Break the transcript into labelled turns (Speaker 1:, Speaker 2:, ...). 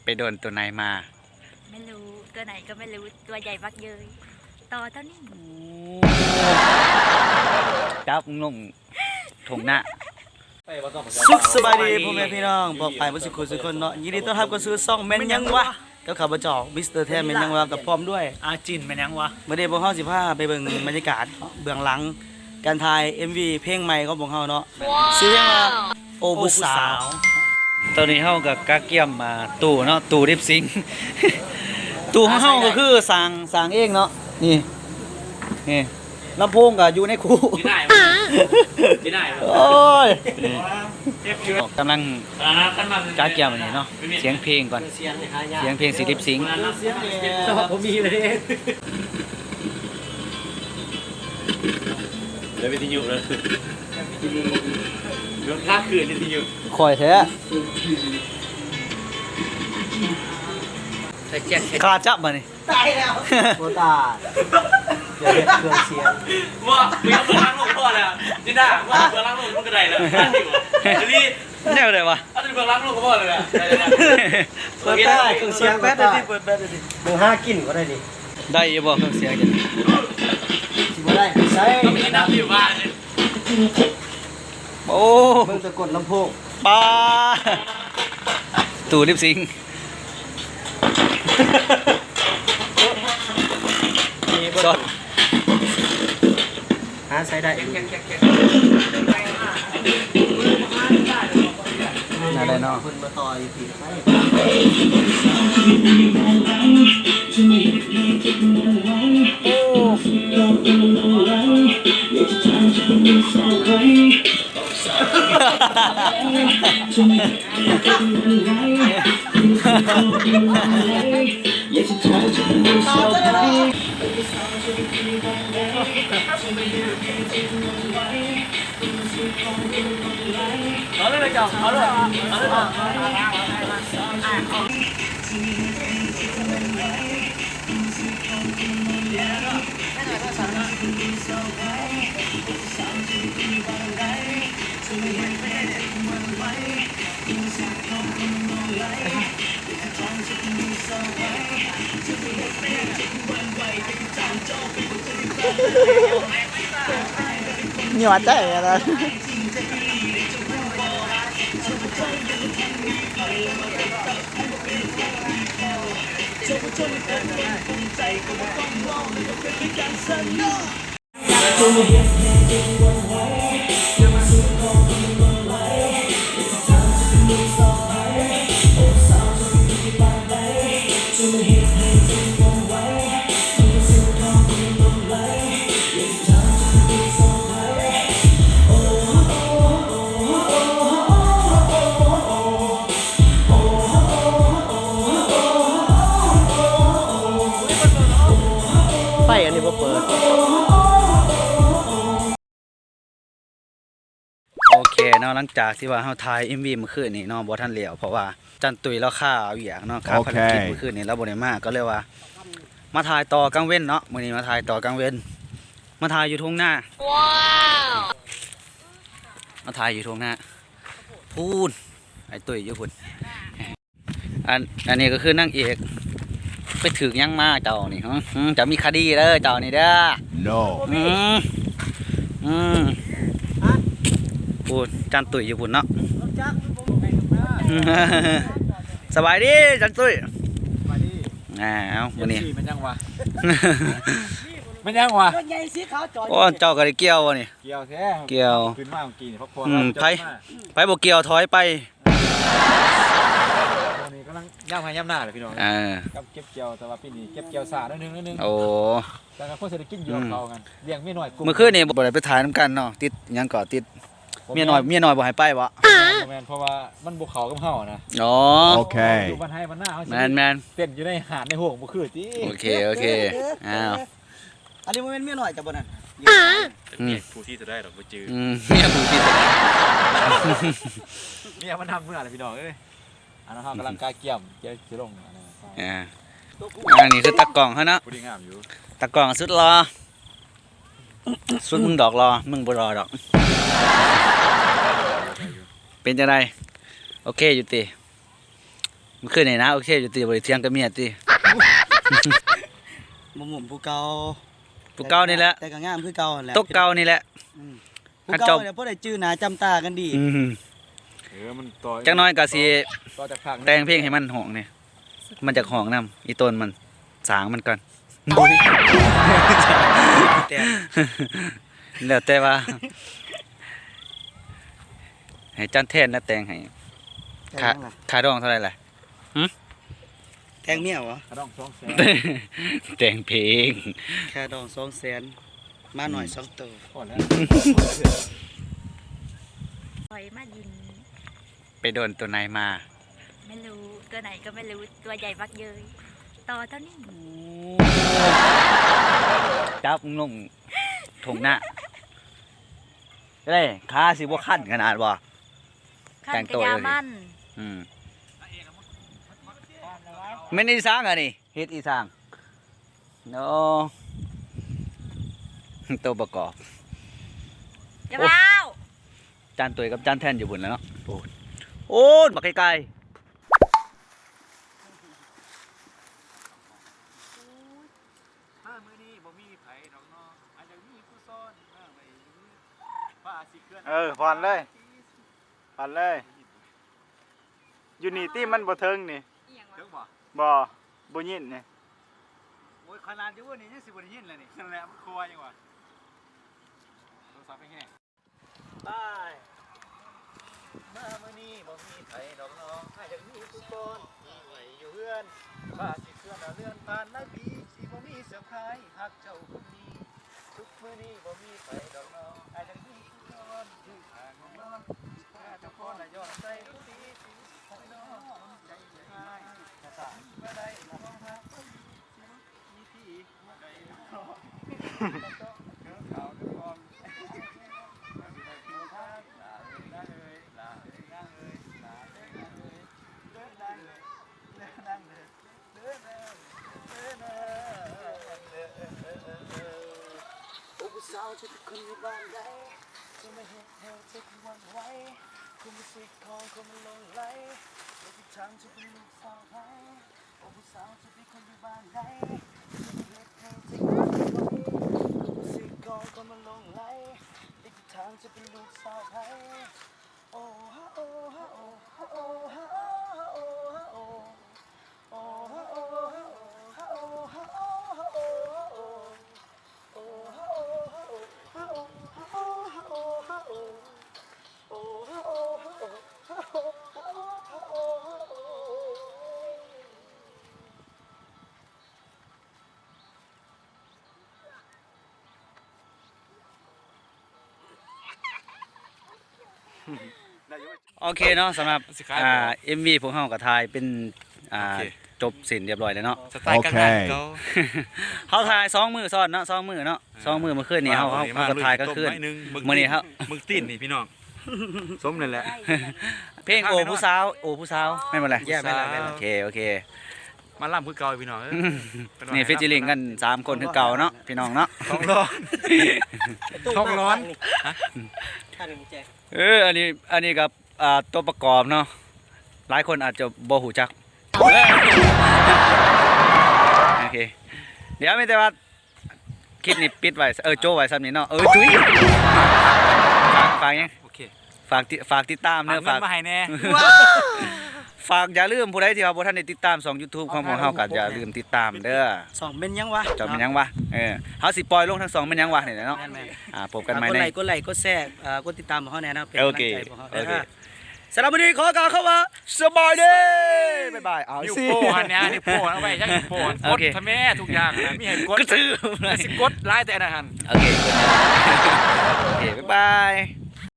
Speaker 1: ไปโดนตัวไหนมา
Speaker 2: ไม่รู้ตัวไหนก็ไม่รู้ตัวใหญ่มากเยยต่อเท่านี้
Speaker 1: จับงงถงหน้า
Speaker 3: สุขสบายดีพ่อแม่พี่น้องบอกไปบ่สิคุยสุคนเนาะยินดีต้อนรับเข้าสู่ช่องแม่นยังวะกับข้าพเจ้ามิสเตอร์แท้แม่นยังวะกับพร้อมด้วย
Speaker 1: อาจินแม่นยังวะ
Speaker 3: มื้อนี้พวกเฮาสิพาไปเบิ่งบรรยากาศเบื้องหลังการถ่าย MV เพลงใหม่ของพวกเฮาเนาะชื่อเพลงว่าโอผู้สาว
Speaker 1: ตอนนี้เฮากับกาเกียมมาตู้เนาะตู้ริบซิงตู้ของเฮาก็คือสร้างเองเนาะนี่ลำโพงก็อยู่ในคูที่ไหนโอ้ยกำลังกาเกียมอันนี้เนาะเสียงเพลงก่อนเสียงเพลงสิริบซิง
Speaker 3: ผมมีเลย
Speaker 4: แล้ววิทยุเลยเรื่องค่าคืนวิทยุ
Speaker 1: คอยแท้ขาจับมานี่
Speaker 3: ตายแล้วโคตาอย่าเฮ็ดเครื่องเสียง
Speaker 4: ว่ามีเบอร์ล้างลงพ่อแล้วจินดาว่าเบอร์ล้างลงมันก็ได้แล้วนี่
Speaker 1: แนวไหนวะ
Speaker 4: อันนี้เบอร์ล้างลงก็พ่อเลยอ่ะ
Speaker 3: เปิดได้เครื่องเสียงแบตดิเปิดแบตดิเบอร์5กินก็ได้ดิ
Speaker 1: ได้ยังบ่เครื่องเสียงจัง
Speaker 3: สิบ่ได้ใช้
Speaker 4: ต้องมีน้ำอยู่บ้านนี่
Speaker 1: โอ้
Speaker 3: เบิ่งตะกดลำโพง
Speaker 1: ปาตู้ริบซิงสด
Speaker 3: หาใช้ได้
Speaker 1: น่าได้เนาะ
Speaker 3: เพิ่นมาต่อยผิดไป
Speaker 4: เอาเลยจ้ะเอาเลย
Speaker 3: นี่ว่าใจอะไรไฟอันนี้บ่เปิด
Speaker 1: โอเคเนาะหลังจากที่ว่าเฮาถ่าย MV เมื่อคืนนี้เนาะบ่ทันแล้วเพราะว่าจันตุยแล้วค่าเอาอย่างเนาะค่าภารกิจเมื่อคืนนี้แล้วบ่ได้มาก็เลยว่ามาถ่ายต่อกลางเว้นเนาะมื้อนี้มาถ่ายต่อกลางเว้นมาถ่ายอยู่ทุ่งนาว้าวมาถ่ายอยู่ทุ่งนาพูนไอ้ตุยอยู่พุ่นอันนี้ก็คือนางเอกไปถึกยังมาเจ้านี่จะมีคดีเด้อเจ้านี่เด้อ
Speaker 5: no
Speaker 1: พูดจันตุยอยู่พุ่นเนาะสบายดีจันตุย
Speaker 3: สบายดี
Speaker 1: เอาวันนี้
Speaker 4: มันยังวะมันยังวะ
Speaker 1: โอ้เจ้าก็ได้เกี่ยววะนี่
Speaker 4: เกี่ยวแท้
Speaker 1: เกี่ยว
Speaker 4: ขึ้นมาเมื่อกี้เพราะพอ
Speaker 1: ไปบ่เกี่ยวถอยไป
Speaker 4: ตอนนี้กำลังย่ำให้ย่ำหน้าเลยพี่น้องกับเก็บเกี่ยวแต่ว่าปีนี้เก็บเกี่ยวสานิดนึง
Speaker 1: โอ้
Speaker 4: แต่ก็คนเศรษฐกิจอยู่เรากันเลี้ยงเมียน้อย
Speaker 1: เมื่อคืนนี่บ่ได้ไปถ่ายน้ำกันเนาะติดยังก่อติดเมียน้อยบ่ให้ไปวะ
Speaker 4: เพราะว่ามันบุกเขากับเฮานะ
Speaker 1: อ๋อ
Speaker 5: โอเค
Speaker 4: อยู่บ้านให้บ้านหน้าเขา
Speaker 1: แมน
Speaker 4: เต้นอยู่ในหาดในห่วงบุคือที่
Speaker 1: โอเคอ้าว
Speaker 3: อันนี้มันเป็นเมียหน่อยจับบ่นั่น
Speaker 4: เมียผู้ที่จะได้หรอกบ่จื้อ
Speaker 1: เมียผู้ที่
Speaker 4: เมียมันทำเมื่อไรพี่น้องเอ้ยอันนั้นเขากำลังกายเกี่ยมจะลง
Speaker 1: อันนี้คือตะกล่องเขาเนาะตะกล่องสุดรอสุดมึงดอกรอมึงบ่รอดอกเป็นจะไดโอเคอยู่ติมื่อคืนนี่นะโอเคอยู่ตีบ่ได้เที่ยงกับเมียติ
Speaker 3: บ่หมุมผู้เก่า
Speaker 1: ผู้เก่านี่แหละ
Speaker 3: แต่ก็งามคือเก่าหั่นแหละ
Speaker 1: ตกเก่านี่แหละ
Speaker 3: ผู้เก่าเนี่ยบ่ได้จื้อหน้าจำตากันดี
Speaker 1: อืม
Speaker 4: มันต่อ
Speaker 1: จักหน้อยก็สิ
Speaker 4: ต่อจากภาค
Speaker 1: แต่งเพลงให้มันห้องนี่มันจากห้องนํอีต้นมันสางมันก่อน
Speaker 3: แต่
Speaker 1: แล้วแต่ว่า ให้จันแทนแล้วแต่งให้ค่าค่าดองเท่าไหร่ล่ะ
Speaker 3: แทงเมียเหรอ
Speaker 4: กระดอง200,000
Speaker 1: แต่งเพลง
Speaker 3: แค่ดอง200,000มาหน่อย2ตัว
Speaker 4: พอแล้ว
Speaker 2: ปล่อยมายิน
Speaker 1: ไปโดนตัวไหนมา
Speaker 2: ไม่รู้ตัวไหนก็ไม่รู้ตัวใหญ่บักเยยต่อเท่านี้
Speaker 1: จับลงถุงหน้าเด้ขาสิบ่คันขนาดบ่
Speaker 2: ขั้
Speaker 1: แต่
Speaker 2: น
Speaker 1: ง
Speaker 2: ก
Speaker 1: ตัว
Speaker 2: ระยา
Speaker 1: เลย
Speaker 2: มัน
Speaker 1: อืมแม่นอีสางอ่ะนี่เฮ็ดอีสางโนตัวประกอบ
Speaker 2: อย่าเล่า
Speaker 1: จานตัวกับจานแทนอยู่บนแล้วเนาะโอ้ยโอ้ยบักไกลๆ
Speaker 4: ถ้ามื้อนี้บ่มีไผดอกเนาะอาจจะมีผู้ซ่อนมาไว้อยู่ฟ้าสิเคลื่อน
Speaker 5: ผ่อนเลยผ่อนเลย อยู่นี่ที่มันบ่เทิงนี่
Speaker 4: เด้อบ่
Speaker 5: บ่ยินนี่
Speaker 4: โอ้ยขนาดอยู่ว่านี่ยังสิบ่ได้ยินเลยนี่นั่นแหละมันครัวยังวะโทรศัพท์ไปที่ไหน
Speaker 5: ไปมามื้อนี้บ่มีไผดอกน้องอาจจะมีผู้คนมีไว้อยู่เฮือนฟ้าสิเคลื่อนเลื่อนผ่านนาทีสิบ่มีเสื้อผ้าฮักเจ้าคนนี้ทุกมื้อนี้บ่มีไผดอกน้องอาจจะมีผู้คนอยู่ทางของน้องถ้าเจ้าคนน่ะย้อนใจทุกทีชีวิตของน้องใจหายถ้าสานบ่ได้น้องฮักมีที่บ่ได้น้องเขาเดือดร้อน สาวจะเป็นคนอยู่บ้านใดจะไม่เห็นเธอจะเป็นวันไหวคุณมาสิของคนมันลงไหลแล้วที่ทางจะเป็นลูกสาวไทยโอ้ผู้สาวจะเป็นคนอยู่บ้านใดจะไม่เห็นเธอจะเป็นวันไหวคุณมาสิของคนมันลงไหลแล้วที่ทางจะเป็นลูกสาวไทยโอ้ฮะโอ้ฮะโอ้ฮะโอ้ฮะโอ้ฮะโอ้โอ้ฮะโอ้ฮะโอ้ฮะโอ้ฮะโอ้ฮะโอ้
Speaker 1: โอเคเนาะสำหรับMV พวกเฮาก็ถ่ายเป็นจบสิ้นเรียบร้อยแล้วเนาะ
Speaker 4: สไตล์กลางๆเขา
Speaker 1: เฮาถ่าย2มื้อซ้อนเนาะ2มื้อเนาะ2มื้อเมื่อคืนนี้เฮาก็ถ่ายก็คืนมื้อนี้ครับ
Speaker 4: มึงตีนนี่พี่น้องสมนั่นแหละ
Speaker 1: เพลงโอ้ผู้สาวแม่นบ่ล่ะ
Speaker 3: แย่ไปแล้ว
Speaker 1: โอเค
Speaker 4: มาล่ำคือเก่าพี่น้อง
Speaker 1: นี่ฟีเจอริ่งกัน3คนคือเก่าเนาะพี่น้องเนาะ
Speaker 4: ท้องร้อนท้องร้อน
Speaker 1: อันนี้กับตัวประกอบเนาะหลายคนอาจจะบ่ฮู้จักโอเคเดี๋ยวมีแต่ว่าคลิปนี้ปิดไว้โจ้ไว้ซ้ำนี้เนาะจุ้ยฝากยัง
Speaker 4: โอเค
Speaker 1: ฝากติดตามเด้อ
Speaker 4: ฝากเงินมาให้แน่
Speaker 1: ฝากอย่าลืมผู้ใดที่ว่าบ่ทันได้ติดตามช่อง YouTube ของพวกเฮาก็อย่าลืมติดตามเด้อ
Speaker 3: สองเป็นยังวะ
Speaker 1: จอมเป็นหยังวะเฮาสิปล่อยลงทั้งสองเป็นหยังวะนี่แหละเนาะ
Speaker 3: แม่น
Speaker 1: พบกันใหม่
Speaker 3: กด
Speaker 1: ใน
Speaker 3: ไลค์กดไลค์กดแชร์กดติดตามของเขาแน่นะเป็น
Speaker 1: โอก
Speaker 3: ำลั
Speaker 1: เค
Speaker 3: งใจของเขา
Speaker 1: โอเค
Speaker 3: สำหรับวันนี้ขอกล่าวคำว่า
Speaker 1: สบายดีบ๊ายบายเอา
Speaker 4: นิ้ว
Speaker 1: สิ
Speaker 4: โป้หันเนี่ยนิ้วโป้เอาไว้จังนิ้วโป้ก
Speaker 1: โอ
Speaker 4: ด
Speaker 1: เค
Speaker 4: ทำแม่ทุกอย่างนะมีให้กด
Speaker 1: ก็ถือ
Speaker 4: สิกดไล่แต่อันนั้น
Speaker 1: โอเค บ๊ายบาย